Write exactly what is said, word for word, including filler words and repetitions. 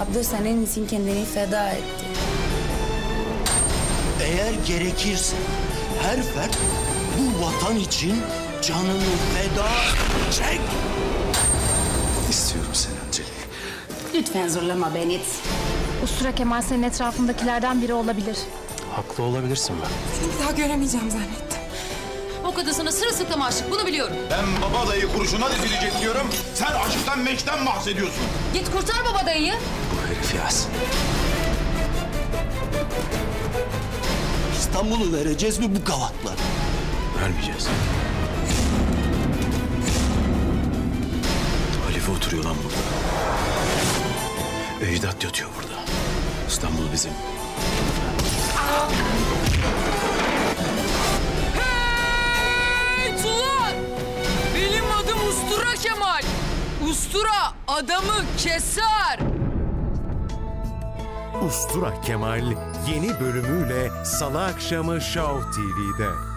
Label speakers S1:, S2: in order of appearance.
S1: Abla senin için kendini feda etti.
S2: Eğer gerekirse her fert bu vatan için canını feda edecek.
S3: İstiyorum seni Anceli.
S1: Lütfen zorlama beni.
S4: Ustura Kemal senin etrafındakilerden biri olabilir.
S3: Haklı olabilirsin ben.
S5: Seni bir daha göremeyeceğim zannettim.
S6: O kadın sana sırılsıklam aşık, bunu biliyorum.
S7: Ben baba dayı kurşuna dizilecek diyorum. Sen aşktan meşkten bahsediyorsun.
S6: Git kurtar baba dayıyı.
S3: Bu herif Yasin.
S2: İstanbul'u vereceğiz mi bu gavatlara?
S3: Vermeyeceğiz. Halife oturuyor lan burada. Ecdat yatıyor burada. İstanbul bizim.
S8: Hey Tulan! Benim adım Ustura Kemal. Ustura adamı keser.
S9: Ustura Kemal yeni bölümüyle Salı akşamı Show T V'de.